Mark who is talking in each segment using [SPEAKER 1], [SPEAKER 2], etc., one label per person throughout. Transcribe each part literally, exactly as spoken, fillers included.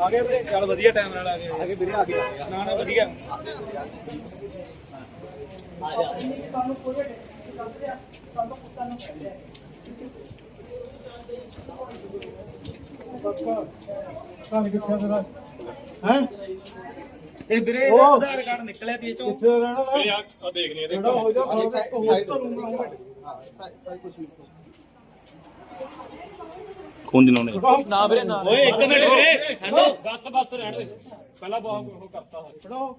[SPEAKER 1] ਆ ਗਏ ਵੀਰੇ ਚੱਲ ਵਧੀਆ ਟਾਈਮ ਨਾਲ ਆ ਗਏ ਆ ਗਏ ਵੀਰੇ ਆ ਗਏ ਨਾ ਨਾ ਵਧੀਆ ਆ ਜਾ ਤੁਹਾਨੂੰ ਪੂਰੇ ਕਰਦੇ ਆ ਤੁਹਾਨੂੰ ਪੁੱਤਾਂ ਨੂੰ ਕਹਿੰਦੇ ਆ ਕਾਹ ਕਿੱਥੇ ਤੇਰਾ ਹੈ ਇਹ ਵੀਰੇ ਆਧਾਰ ਕਾਰਡ ਨਿਕਲਿਆ ਤੀ ਚੋਂ ਕਿੱਥੇ ਰਹਿਣਾ ਨਾ ਇਹ ਆ ਦੇਖ ਲਈ ਇਹਦੇ ਹੋ ਜਾ ਸਾਈਡ ਤੋਂ ਹਾਂ ਸਾਈਡ ਕੁਝ ਵੀ
[SPEAKER 2] ਖੂਨ ਦਿਨੋਂ ਨੇ
[SPEAKER 1] ਨਾ ਵੀਰੇ ਨਾ ਓਏ ਇੱਕ ਮਿੰਟ ਵੀਰੇ ਹੈਲੋ
[SPEAKER 3] ਬਸ ਬਸ ਰਹਿਣ ਦੇ ਪਹਿਲਾਂ ਬਹੁਤ ਉਹ ਕਰਤਾ
[SPEAKER 1] ਫੜੋ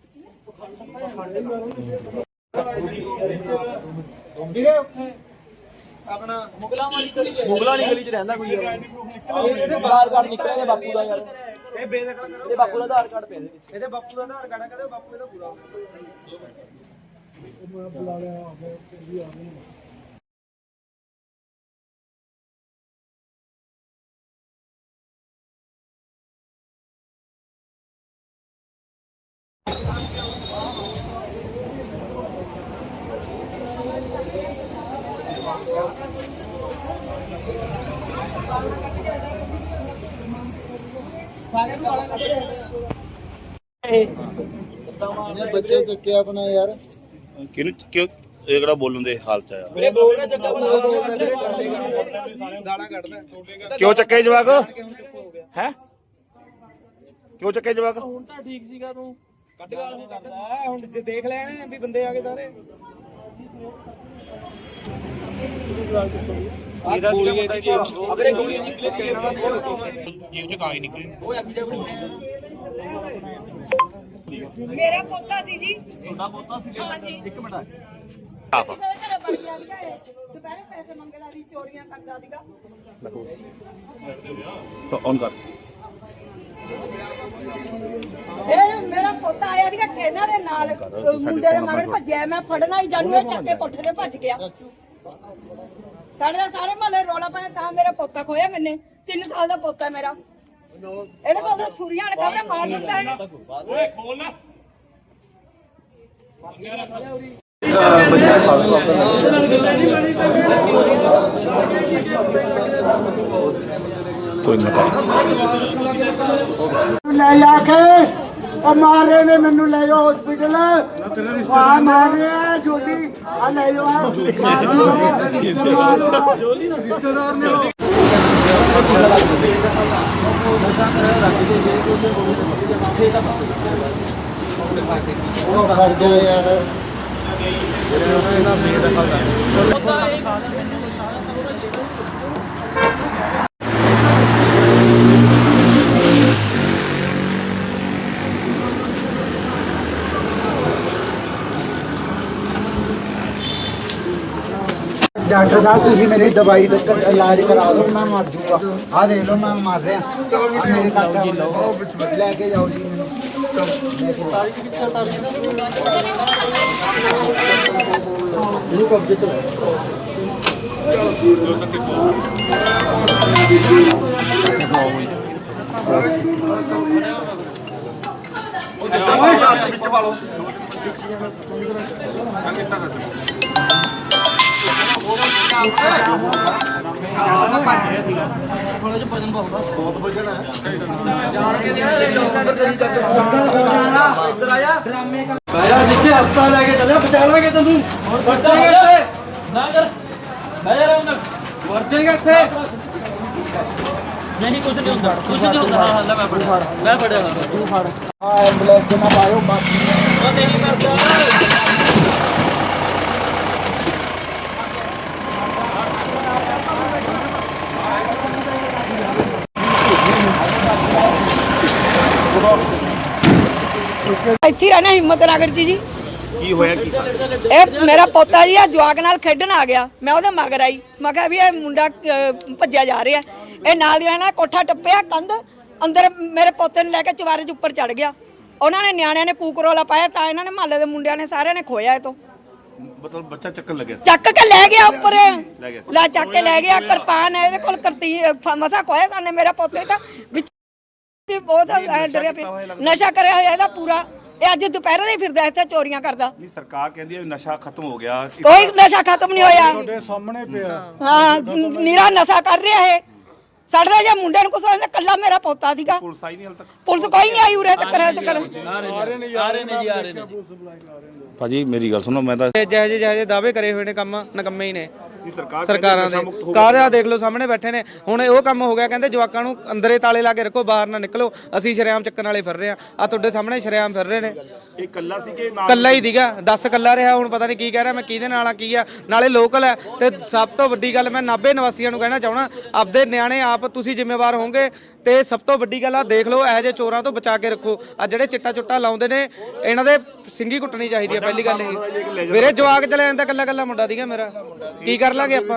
[SPEAKER 1] ਵੀਰੇ ਉੱਥੇ ਆਪਣਾ ਮੁਗਲਾਂ ਵਾਲੀ ਗਲੀ ਮੁਗਲਾਂ ਵਾਲੀ ਗਲੀ 'ਚ ਰਹਿੰਦਾ ਕੋਈ ਯਾਰ ਇਹਦੇ ਆਧਾਰ ਕਾਰਡ ਨਿਕਲਿਆ ਇਹਦੇ ਬਾਪੂ ਦਾ ਯਾਰ ਇਹ ਬੇਦਖਲ ਕਰੋ ਇਹ ਬਾਪੂ ਦਾ ਆਧਾਰ ਕਾਰਡ ਪਿਆ ਇਹਦੇ ਬਾਪੂ ਦਾ ਆਧਾਰ ਕਾਰਡ ਕਰੇ ਬਾਪੂ ਇਹਦਾ ਪੂਰਾ ਮੈਂ ਬੁਲਾ ਲਿਆ ਆਵੇ ਵੀ ਆ ਗਏ ਬੱਚੇ ਚੱਕਿਆ ਆਪਣਾ ਯਾਰ
[SPEAKER 2] ਕਿਹਨੂੰ ਕਿਉਂ ਇਹ ਕਿਹੜਾ ਬੋਲਣ ਦੇ ਹਾਲ ਚ ਆਇਆ
[SPEAKER 1] ਮੇਰੇ ਬੋਲ ਰਿਹਾ ਜੱਗਾ ਬਣਾ ਦਾਣਾ ਕੱਢਦਾ
[SPEAKER 2] ਕਿਉਂ ਚੱਕੇ ਜਵਾਕ ਹੈ ਕਿਉਂ ਚੱਕੇ ਜਵਾਕ
[SPEAKER 1] ਹੁਣ ਤਾਂ ਠੀਕ ਸੀਗਾ ਤੂੰ ਕੱਢ ਗਾਲ ਨਹੀਂ ਕਰਦਾ ਹੁਣ ਜੇ ਦੇਖ ਲੈਣੇ ਵੀ ਬੰਦੇ ਆ ਗਏ ਸਾਰੇ ਆ ਗੋਲੀਆਂ ਦੀ ਜੇਬ ਆਪਣੇ ਗੋਲੀਆਂ ਨਿਕਲੇ
[SPEAKER 2] ਜੇਬ ਚ ਕਾਗਜ਼ ਨਿਕਲੇ
[SPEAKER 1] ਉਹ
[SPEAKER 4] ਮੇਰਾ ਪੋਤਾ ਸੀ ਜੀ
[SPEAKER 1] ਤੁਹਾਡਾ ਪੋਤਾ ਸੀ
[SPEAKER 4] ਹਾਂਜੀ
[SPEAKER 1] ਇੱਕ ਮਿੰਟ
[SPEAKER 2] ਆਪ
[SPEAKER 4] ਕਿਸੇ ਦੇ ਘਰੇ ਵੜ ਗਿਆ ਸੀਗਾ ਇਹ ਦੁਪਹਿਰੇ ਪੈਸੇ ਮੰਗਦਾ ਸੀ ਚੋਰੀਆਂ ਕਰਦਾ ਸੀਗਾ
[SPEAKER 2] ਤਾਂ ਔਨ ਕਰ
[SPEAKER 4] ਇਹ ਮੇਰਾ ਪੋਤਾ ਆਇਆ ਸੀਗਾ ਟ੍ਰੇਨਾਂ ਦੇ ਨਾਲ ਮੁੰਡੇ ਦੇ ਮਗਰ ਭੱਜਿਆ ਮੈਂ ਫੜਨਾ ਹੀ ਜਾਣੂ ਇਹ ਚੱਕ ਕੇ ਕੋਠੇ ਤੇ ਭੱਜ ਗਿਆ ਸਾਡੇ ਦਾ ਸਾਰੇ ਮਹੱਲੇ ਰੌਲਾ ਪਾਇਆ ਤਾਂ ਮੇਰਾ ਪੋਤਾ ਖੋਇਆ ਮੈਨੇ ਤਿੰਨ ਸਾਲ ਦਾ ਪੋਤਾ ਮੇਰਾ ਇਹਦੇ ਕੋਲ ਤਾਂ ਛੁਰੀਆਂ ਨੇ ਕਾਹਦੇ ਮਾਰ ਦਿੰਦਾ ਹੈ
[SPEAKER 3] ਓਏ ਖੋਲ ਨਾ
[SPEAKER 2] ਕੋਈ ਨਾ
[SPEAKER 5] ਲੈ ਜਾ ਕੇ ਉਹ ਮਾਰ ਰਹੇ ਨੇ ਮੈਨੂੰ ਲੈ ਜਾਓ ਹਸਪੀਟਲ ਆ ਮਾਰ ਰਿਹਾ ਜੋਲੀ ਆ ਲੈ ਜਾਓ ਜੋਲੀ ਦਾ ਰਿਸ਼ਤੇਦਾਰ ਨੇ ਉਹ ਫੜ ਗਿਆ ਯਾਰ डॉक्टर साहब तुम मेरी दवाई इलाज करा दो मैं मर जूंगा आ देख लो मैं मर रहा लेके जाओ जी कब्जे तो बहुत वजन है जिसके हफ्ता लेके चले बचा लागे तेन मर जाएगा इतने
[SPEAKER 6] नहीं कुछ नहीं होता कुछ नहीं होता हां मैं पड़ा मैं पड़ा
[SPEAKER 5] तू फड़ हां एम्बुलेंस ना पायो बाकी
[SPEAKER 6] वो नहीं करता
[SPEAKER 4] ਇੱਥੇ ਰਹਿਣਾ ਹਿੰਮਤ ਨਗਰ ਜੀ ਜੀ
[SPEAKER 2] ਕੀ ਹੋਇਆ ਕੀ
[SPEAKER 4] ਇਹ ਮੇਰਾ ਪੋਤਾ ਜੀ ਆ ਜਵਾਕ ਨਾਲ ਖੇਡਣ ਆ ਗਿਆ ਮੈਂ ਉਹਦੇ ਮਗਰ ਆਈ ਮੈਂ ਕਿਹਾ ਵੀ ਇਹ ਮੁੰਡਾ ਭੱਜਿਆ ਜਾ ਰਿਹਾ ਇਹ ਨਾਲ ਦੀ ਰਹਿਣਾ ਕੋਠਾ ਟੱਪਿਆ ਕੰਧ ਅੰਦਰ ਮੇਰੇ ਪੋਤੇ ਨੂੰ ਲੈ ਕੇ ਚਵਾਰੇ 'ਚ ਉੱਪਰ ਚੜ ਗਿਆ ਉਹਨਾਂ ਨੇ ਨਿਆਣਿਆਂ ਨੇ ਕੂਕਰੋਲਾ ਪਾਇਆ ਤਾਂ ਇਹਨਾਂ ਨੇ ਮਹੱਲੇ ਦੇ ਮੁੰਡਿਆਂ ਨੇ ਸਾਰਿਆਂ ਨੇ ਖੋਇਆ ਇਹ ਤੋਂ
[SPEAKER 2] ਮਤਲਬ ਬੱਚਾ ਚੱਕਣ ਲੱਗਿਆ
[SPEAKER 4] ਚੱਕ ਕੇ ਲੈ ਗਿਆ ਉੱਪਰ
[SPEAKER 2] ਲੈ ਗਿਆ
[SPEAKER 4] ਲੈ ਚੱਕ ਕੇ ਲੈ ਗਿਆ ਕਿਰਪਾਨ ਇਹਦੇ ਕੋਲ ਕਰਤੀ ਮਸਾ ਖੋਇਆ ਸਾਨੇ ਮੇਰੇ ਪੋਤੇ ਤਾਂ ਵਿੱਚ ਬਹੁਤ ਡਰਿਆ ਪਿਆ ਨਸ਼ਾ ਕਰਿਆ ਹੋਇਆ ਇਹਦਾ ਪੂਰਾ ਇਹ ਅੱਜ ਦੁਪਹਿਰੇ ਦੇ ਫਿਰਦਾ ਇੱਥੇ ਚੋਰੀਆਂ ਕਰਦਾ
[SPEAKER 2] ਨਹੀਂ ਸਰਕਾਰ ਕਹਿੰਦੀ ਹੈ ਨਸ਼ਾ ਖਤਮ ਹੋ ਗਿਆ
[SPEAKER 4] ਕੋਈ ਨਸ਼ਾ ਖਤਮ ਨਹੀਂ ਹੋਇਆ
[SPEAKER 5] ਤੁਹਾਡੇ ਸਾਹਮਣੇ ਪਿਆ
[SPEAKER 4] ਹਾਂ ਨੀਰਾ ਨਸ਼ਾ ਕਰ ਰਿਹਾ ਇਹ ਸਾਡੇ ਦਾ ਜੇ ਮੁੰਡੇ ਨੂੰ ਕੁਛ ਹੋਇਆ ਕੱਲਾ ਮੇਰਾ ਪੋਤਾ ਸੀਗਾ।
[SPEAKER 2] ਪੁਲਿਸ ਆਈ ਨਹੀਂ ਹਾਲ ਤੱਕ?
[SPEAKER 4] ਪੁਲਿਸ ਕੋਈ ਨਹੀਂ ਆਈ ਉਰੇ ਤੱਕ ਰਹਿ ਤੱਕ।
[SPEAKER 6] ਆ ਰਹੇ ਨੇ ਜੀ ਆ ਰਹੇ ਨੇ ਜੀ।
[SPEAKER 2] ਭਾਜੀ ਮੇਰੀ ਗੱਲ ਸੁਣੋ, ਮੈਂ ਤਾਂ
[SPEAKER 1] ਜਿਹੇ ਜਿਹੇ ਜਿਹੇ ਦਾਅਵੇ ਕਰੇ ਹੋਏ ਨੇ ਕੰਮ ਨਕੰਮੇ ਹੀ ਨੇ
[SPEAKER 2] ਸਰਕਾਰ
[SPEAKER 1] ਸਰਕਾਰਾਂ ਦੇ। ਕਾਰਿਆ ਦੇਖ ਲਓ ਸਾਹਮਣੇ ਬੈਠੇ ਨੇ। ਹੁਣ ਉਹ ਕੰਮ ਹੋ ਗਿਆ, ਕਹਿੰਦੇ ਜਵਾਕਾਂ ਨੂੰ ਅੰਦਰੇ ਤਾਲੇ ਲਾ ਕੇ ਰੱਖੋ, ਬਾਹਰ ਨਾ ਨਿਕਲੋ। ਅਸੀਂ ਸ਼ਰੇਆਮ ਚੱਕਣ ਵਾਲੇ ਫਿਰ ਰਹੇ ਆ, ਆ ਤੁਹਾਡੇ ਸਾਹਮਣੇ ਸ਼ਰੇਆਮ ਫਿਰ ਰਹੇ ਨੇ।
[SPEAKER 2] ਇਹ ਕੱਲਾ ਸੀ ਕਿ ਨਾਲ?
[SPEAKER 1] ਕੱਲਾ ਹੀ ਦੀਗਾ, ਦਸ ਕੱਲਾ ਰਿਹਾ। ਹੁਣ ਪਤਾ ਨਹੀਂ ਕੀ ਕਹਿ ਰਿਹਾ, ਮੈਂ ਕਿਹਦੇ ਨਾਲ ਆ ਕੀ ਆ। ਨਾਲੇ ਲੋਕਲ ਹੈ ਤੇ ਸਭ ਤੋਂ ਵੱਡੀ ਗੱਲ ਮੈਂ ਨਾਭੇ ਨਿਵਾਸੀਆਂ ਨੂੰ ਕਹਿਣਾ ਚਾਹਣਾ, ਆਪਦੇ ਨਿਆਣੇ ਆਪ ਤੁਸੀਂ ਜ਼ਿੰਮੇਵਾਰ ਹੋਵੋਗੇ। ਤੇ ਸਭ ਤੋਂ ਵੱਡੀ ਗੱਲ ਆ ਦੇਖ ਲਓ, ਇਹੋ ਜਿਹੇ ਚੋਰਾਂ ਤੋਂ ਬਚਾ ਕੇ ਰੱਖੋ। ਆ ਜਿਹੜੇ ਚਿੱਟਾ ਚੁੱਟਾ ਲਾਉਂਦੇ ਨੇ ਇਹਨਾਂ ਦੇ ਸਿੰਗੀ ਕੁੱਟਣੀ ਚਾਹੀਦੀ ਹੈ। ਪਹਿਲੀ ਗੱਲ ਇਹ ਵੀਰੇ, ਜਵਾਕ ਚਲੇ ਜਾਂਦਾ ਕੱਲਾ ਕੱਲਾ ਮੁੰਡਾ ਦੀਗਾ ਮੇਰਾ, ਕੀ ਕਰ ਲਾਂਗੇ ਆਪਾਂ?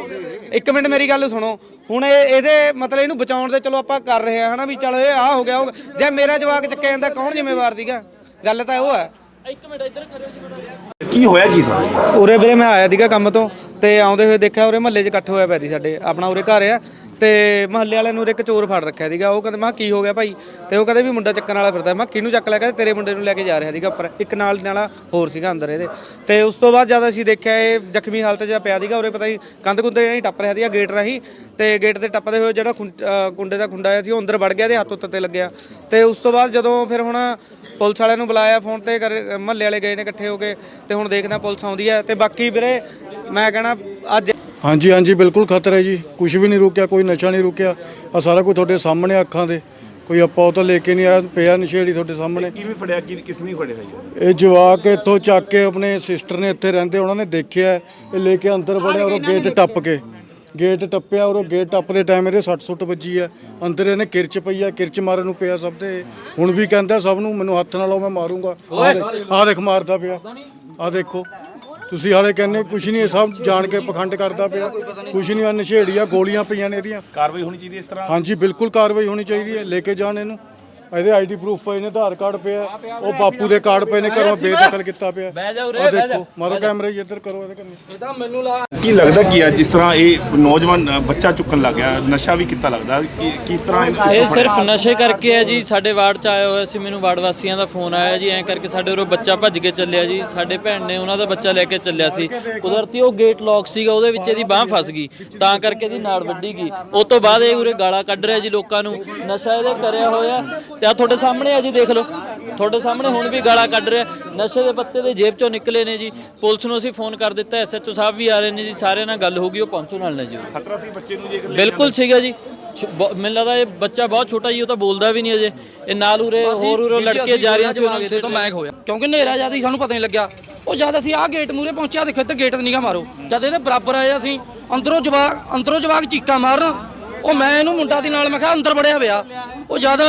[SPEAKER 1] ਇੱਕ ਮਿੰਟ ਮੇਰੀ ਗੱਲ ਸੁਣੋ। ਹੁਣ ਇਹ ਇਹਦੇ ਮਤਲਬ ਇਹਨੂੰ ਬਚਾਉਣ ਦੇ ਚਲੋ ਆਪਾਂ ਕਰ ਰਹੇ ਆ ਹਨਾ, ਵੀ ਚਲੋ ਇਹ ਆ ਹੋ ਗਿਆ। ਜੇ ਮੇਰਾ ਜਵਾਕ ਚੱਕਿਆ ਜਾਂਦਾ ਕੌਣ ਜ਼ਿੰਮੇਵਾਰ ਸੀਗਾ? ਗੱਲ ਤਾਂ ਉਹ ਹੈ।
[SPEAKER 6] ਇੱਕ ਮਿੰਟ ਇੱਧਰ ਕਰਿਓ ਜੀ ਬੜਾ।
[SPEAKER 2] ਕੀ ਹੋਇਆ ਕੀ ਸਾਰਾ?
[SPEAKER 1] ਉਰੇ ਵੀਰੇ ਮੈਂ ਆਇਆ ਸੀਗਾ ਕੰਮ ਤੋਂ ਤੇ ਆਉਂਦੇ ਹੋਏ ਦੇਖਿਆ ਉਰੇ ਮਹੱਲੇ 'ਚ ਇਕੱਠ ਹੋਇਆ ਪਿਆ ਸੀ। ਸਾਡੇ ਆਪਣਾ ਉਰੇ ਘਰ ਆ ਤੇ ਮਹੱਲੇ ਵਾਲਿਆਂ ਨੂੰ ਉਰੇ ਇੱਕ ਚੋਰ ਫੜ ਰੱਖਿਆ ਸੀਗਾ। ਉਹ ਕਹਿੰਦੇ ਮੈਂ ਕੀ ਹੋ ਗਿਆ ਭਾਈ? ਤੇ ਉਹ ਕਹਿੰਦੇ ਵੀ ਮੁੰਡਾ ਚੱਕਣ ਵਾਲਾ ਫਿਰਦਾ। ਮੈਂ ਕਿਹਨੂੰ ਚੱਕ ਲਿਆ? ਕਹਿੰਦੇ ਤੇਰੇ ਮੁੰਡੇ ਨੂੰ ਲੈ ਕੇ ਜਾ ਰਿਹਾ ਸੀਗਾ ਉੱਪਰ। ਇੱਕ ਨਾਲ ਨਾਲਾ ਹੋਰ ਸੀਗਾ ਅੰਦਰ ਇਹਦੇ। ਤੇ ਉਸ ਤੋਂ ਬਾਅਦ ਜਦ ਅਸੀਂ ਦੇਖਿਆ ਇਹ ਜ਼ਖਮੀ ਹਾਲਤ 'ਚ ਪਿਆ ਸੀਗਾ ਉਰੇ, ਪਤਾ ਨਹੀਂ ਕੰਧ ਕੁੰਦੇ ਨਹੀਂ ਟੱਪ ਰਿਹਾ ਸੀਗਾ ਗੇਟ ਰਾਹੀਂ। ਤੇ ਗੇਟ ਤੇ ਟੱਪਦੇ ਹੋਏ ਜਿਹੜਾ ਕੁੰਡੇ ਦਾ ਖੁੰਡਾ ਆਇਆ ਸੀ ਉਹ ਅੰਦਰ ਵੜ ਗਿਆ, ਤੇ ਹੱਥ ਉੱਤੇ ਤੇ ਲੱਗਿਆ। ਤੇ ਉਸ ਤੋਂ ਬਾਅਦ ਜਦੋਂ ਫਿਰ ਹੁਣ ਪੁਲਿਸ ਵਾਲਿਆਂ ਨੂੰ ਬੁਲਾਇਆ ਫੋਨ ਤੇ, ਮਹੱਲੇ ਵਾਲੇ ਗਏ ਨੇ ਇਕੱਠੇ ਹੋ ਕੇ। ਤੇ ਹੁਣ ਦੇਖਦੇ ਪੁਲਿਸ ਆਉਂਦੀ ਹੈ। ਤੇ ਬਾਕੀ ਵੀਰੇ ਮੈਂ ਕਹਿਣਾ ਅੱਜ
[SPEAKER 7] ਹਾਂਜੀ ਹਾਂਜੀ ਬਿਲਕੁਲ ਖਤਰਾ ਹੈ ਜੀ। ਕੁਝ ਵੀ ਨਹੀਂ ਰੁਕਿਆ, ਕੋਈ ਨਸ਼ਾ ਨਹੀਂ ਰੁਕਿਆ। ਆ ਸਾਰਾ ਕੁਝ ਤੁਹਾਡੇ ਸਾਹਮਣੇ ਅੱਖਾਂ ਦੇ। ਕੋਈ ਆਪਾਂ ਉਹ ਤਾਂ ਲੈ ਕੇ ਨਹੀਂ ਆਇਆ, ਪਿਆ ਨਸ਼ੇੜੀ ਤੁਹਾਡੇ ਸਾਹਮਣੇ।
[SPEAKER 2] ਕਿਵੇਂ ਫੜਿਆ? ਕੀ ਕਿਸ ਨੇ ਫੜਿਆ ਜੀ?
[SPEAKER 7] ਇਹ ਜਵਾਕ ਇੱਥੋਂ ਚੱਕ ਕੇ ਆਪਣੇ ਸਿਸਟਰ ਨੇ ਇੱਥੇ ਰਹਿੰਦੇ ਉਹਨਾਂ ਨੇ ਦੇਖਿਆ, ਇਹ ਲੈ ਕੇ ਅੰਦਰ ਵੜਿਆ ਔਰ ਗੇਟ ਟੱਪ ਕੇ ਗੇਟ ਟੱਪਿਆ ਔਰ ਗੇਟ ਟੱਪਦੇ ਟਾਈਮ ਇਹਦੇ ਸੱਟ ਸੁੱਟ ਵੱਜੀ ਆ। ਅੰਦਰ ਇਹਨੇ ਕਿਰਚ ਪਈ ਆ, ਕਿਰਚ ਮਾਰਨ ਨੂੰ ਪਿਆ ਸਭ ਦੇ। ਹੁਣ ਵੀ ਕਹਿੰਦਾ ਸਭ ਨੂੰ ਮੈਨੂੰ ਹੱਥ ਨਾਲ ਲਾਓ ਮੈਂ ਮਾਰੂੰਗਾ। ਆਹ ਦੇਖ ਮਾਰਦਾ ਪਿਆ, ਆਹ ਦੇਖੋ ਤੁਸੀਂ। ਹਾਲੇ ਕਹਿੰਦੇ ਕੁਛ ਨਹੀਂ, ਇਹ ਸਭ ਜਾਣ ਕੇ ਪਖੰਡ ਕਰਦਾ ਪਿਆ। ਕੁਛ ਨਹੀਂ, ਆ ਨਸ਼ੇੜੀ ਆ, ਗੋਲੀਆਂ ਪਈਆਂ ਨੇ ਇਹਦੀਆਂ।
[SPEAKER 2] ਕਾਰਵਾਈ ਹੋਣੀ ਚਾਹੀਦੀ ਇਸ ਤਰ੍ਹਾਂ?
[SPEAKER 7] ਹਾਂਜੀ ਬਿਲਕੁਲ ਕਾਰਵਾਈ ਹੋਣੀ ਚਾਹੀਦੀ ਹੈ। ਲੈ ਕੇ ਜਾਣ ਇਹਨੂੰ। ਇਹਦੇ ਆਈਡੀ ਪ੍ਰੂਫ ਪਏ ਨੇ, ਆਧਾਰ ਕਾਰਡ ਪਿਆ, ਉਹ ਬਾਪੂ ਦੇ ਕਾਰਡ ਪਏ ਨੇ, ਘਰੋਂ ਬੇਦਖਲ ਕੀਤਾ ਪਿਆ। ਆਹ ਦੇਖੋ, ਮਾਰੋ ਕੈਮਰੇ ਇੱਧਰ ਕਰੋ ਇਹਦੇ ਕੰਨੇ।
[SPEAKER 6] ਇਹਦਾ ਮੈਨੂੰ ਲਾ
[SPEAKER 2] ਕੀ ਲੱਗਦਾ ਕੀ ਹੈ ਜਿਸ ਤਰ੍ਹਾਂ ਇਹ ਨੌਜਵਾਨ ਅ, ਬੱਚਾ ਚੁੱਕਣ ਲੱਗ ਗਿਆ, ਨਸ਼ਾ ਵੀ ਕੀਤਾ ਲੱਗਦਾ? ਕੀ ਕਿਸ ਤਰ੍ਹਾਂ ਇਹ-
[SPEAKER 6] ਇਹ ਸਿਰਫ ਨਸ਼ੇ ਕਰਕੇ ਹੈ ਜੀ। ਸਾਡੇ ਵਾਰਡ ਚ ਆਇਆ ਹੋਇਆ ਸੀ, ਮੈਨੂੰ ਵਾਰਡ ਵਾਸੀਆਂ ਦਾ ਫੋਨ ਆਇਆ ਜੀ, ਐਂ ਕਰਕੇ ਸਾਡੇ ਉਰੋਂ ਬੱਚਾ ਭੱਜ ਕੇ ਚੱਲਿਆ ਜੀ। ਸਾਡੇ ਭੈਣ ਨੇ ਉਹਨਾਂ ਦਾ ਬੱਚਾ ਲੈ ਕੇ ਚੱਲਿਆ ਸੀ, ਕੁਦਰਤੀ ਉਹ ਗੇਟ ਲੌਕ ਸੀਗਾ, ਉਹਦੇ ਵਿੱਚ ਇਹਦੀ ਬਾਹ ਫਸ ਗਈ, ਤਾਂ ਕਰਕੇ ਇਹਦੀ ਨਾੜ ਵੱਢੀ ਗਈ। ਉਸ ਤੋਂ ਬਾਅਦ ਇਹ ਉਰੇ ਗਾਲਾਂ ਕੱਢ ਰਿਹਾ ਜੀ ਲੋਕਾਂ ਨੂੰ, ਨਸ਼ਾ ਇਹਦੇ ਕਰਿਆ ਹੋਇਆ। ਤੇ ਆ ਤੁਹਾਡੇ ਸਾਹਮਣੇ ਆ ਜੀ, ਦੇਖ ਲਓ ਤੁਹਾਡੇ ਸਾਹਮਣੇ ਹੁਣ ਵੀ ਗਾਲਾਂ ਕੱਢ ਰਿਹਾ। ਨਸ਼ੇ ਦੇ ਪੱਤੇ ਦੇ ਜੇਬ ਚੋਂ ਨਿਕਲੇ ਨੇ ਜੀ। ਪੁਲਿਸ ਨੂੰ ਅਸੀਂ ਫੋਨ ਕਰ ਦਿੱਤਾ, ਐਸਐਚਓ ਸਾਹਿਬ ਵੀ ਆ ਰਹੇ ਨੇ ਜੀ, ਸਾਰਿਆਂ ਨਾਲ ਗੱਲ ਹੋ ਗਈ, ਉਹ ਪਹੁੰਚੋ ਨਾਲ ਨੇ ਜੀ।
[SPEAKER 2] ਖਤਰਾ ਸੀ ਬੱਚੇ ਨੂੰ ਜੇਕਰ?
[SPEAKER 6] ਬਿਲਕੁਲ ਸੀਗਾ ਜੀ। ਛ- ਬ- ਮੈਨੂੰ ਲੱਗਦਾ ਇਹ ਬੱਚਾ ਬਹੁਤ ਛੋਟਾ ਜੀ, ਉਹ ਤਾਂ ਬੋਲਦਾ ਵੀ ਨਹੀਂ ਅਜੇ। ਇਹ ਨਾਲ ਉਰੇ ਹੋਰ ਉਰੇ ਲੜਕੇ ਜਾ ਰਹੀਆਂ ਸੀ, ਉਹਨਾਂ
[SPEAKER 8] ਤੋਂ ਮੈਂ ਹੋਇਆ ਕਿਉਂਕਿ ਹਨੇਰਾ ਜਿਆਦਾ ਹੀ ਸਾਨੂੰ ਪਤਾ ਨਹੀਂ ਲੱਗਿਆ। ਉਹ ਜਦ ਅਸੀਂ ਆਹ ਗੇਟ ਮੂਰੇ ਪਹੁੰਚਿਆ, ਦੇਖੋ ਇੱਧਰ ਗੇਟ ਨਿਗਾ ਮਾਰੋ, ਜਦ ਇਹਦੇ ਬਰਾਬਰ ਆਏ ਅਸੀਂ, ਅੰਦਰੋਂ ਜਵਾਕ ਅੰਦਰੋਂ ਜਵਾਕ ਚੀਕਾਂ ਮਾਰਨ। ਉਹ ਮੈਂ ਇਹਨੂੰ ਮੁੰਡਾ ਦੀ ਨਾਲ ਮੈਂ ਕਿਹਾ ਅੰਦਰ ਵੜਿਆ ਪਿਆ। ਉਹ ਜਦ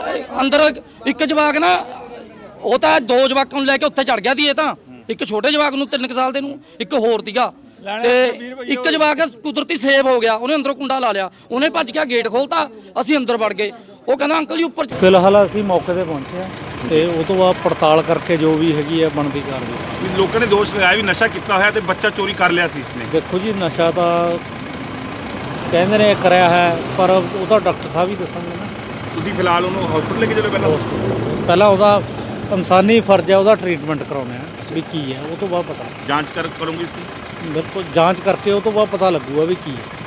[SPEAKER 8] ਅੰਦਰ ਇੱਕ ਜਵਾਕ ਨਾ, ਉਹ ਤਾਂ ਦੋ ਜਵਾਕਾਂ ਨੂੰ ਲੈ ਕੇ ਉੱਥੇ ਚੜ ਗਿਆ ਸੀ। ਇਹ ਤਾਂ ਇੱਕ ਛੋਟੇ ਜਵਾਕ ਨੂੰ ਤਿੰਨ ਕੁ ਸਾਲ ਦੇ ਨੂੰ, ਇੱਕ ਹੋਰ ਸੀਗਾ। ਤੇ ਇੱਕ ਜਵਾਕ ਕੁਦਰਤੀ ਸੇਵ ਹੋ ਗਿਆ, ਉਹਨੇ ਅੰਦਰੋਂ ਕੁੰਡਾ ਲਾ ਲਿਆ, ਉਹਨੇ ਭੱਜ ਕੇ ਗੇਟ ਖੋਲਤਾ, ਅਸੀਂ ਅੰਦਰ ਵੜ ਗਏ। ਉਹ ਕਹਿੰਦਾ ਅੰਕਲ ਜੀ ਉੱਪਰ।
[SPEAKER 9] ਫਿਲਹਾਲ ਅਸੀਂ ਮੌਕੇ ਤੇ ਪਹੁੰਚੇ ਹਾਂ ਤੇ ਉਹ ਤੋਂ ਬਾਅਦ ਪੜਤਾਲ ਕਰਕੇ ਜੋ ਵੀ ਹੈਗੀ ਹੈ ਬਣਦੀ ਕਾਰਵਾਈ।
[SPEAKER 2] ਲੋਕਾਂ ਨੇ ਦੋਸ਼ ਲਗਾਇਆ ਵੀ ਨਸ਼ਾ ਕੀਤਾ ਹੋਇਆ ਤੇ ਬੱਚਾ ਚੋਰੀ ਕਰ ਲਿਆ ਸੀ ਇਸਨੇ।
[SPEAKER 9] ਦੇਖੋ ਜੀ, ਨਸ਼ਾ ਤਾਂ ਕਹਿੰਦੇ ਨੇ ਕਰਿਆ ਹੈ, ਪਰ ਉਹ ਤਾਂ ਡਾਕਟਰ ਸਾਹਿਬ ਹੀ ਦੱਸਣਗੇ ਨਾ।
[SPEAKER 2] ਤੁਸੀਂ ਫਿਲਹਾਲ ਉਹਨੂੰ ਹਸਪੀਟਲ ਲੈ ਕੇ ਚਲੋ ਪਹਿਲਾਂ?
[SPEAKER 9] ਪਹਿਲਾਂ ਉਹਦਾ ਇਨਸਾਨੀ ਫਰਜ਼ ਹੈ, ਉਹਦਾ ਟ੍ਰੀਟਮੈਂਟ ਕਰਾਉਣਾ ਹੈ ਵੀ ਕੀ ਹੈ, ਉਹ ਤੋਂ ਬਾਅਦ ਪਤਾ।
[SPEAKER 2] ਜਾਂਚ ਕਰ ਕਰੋਗੇ ਇਸ ਦੀ?
[SPEAKER 9] ਬਿਲਕੁਲ ਜਾਂਚ ਕਰਕੇ ਉਹ ਤੋਂ ਬਾਅਦ ਪਤਾ ਲੱਗੂਗਾ ਵੀ ਕੀ ਹੈ।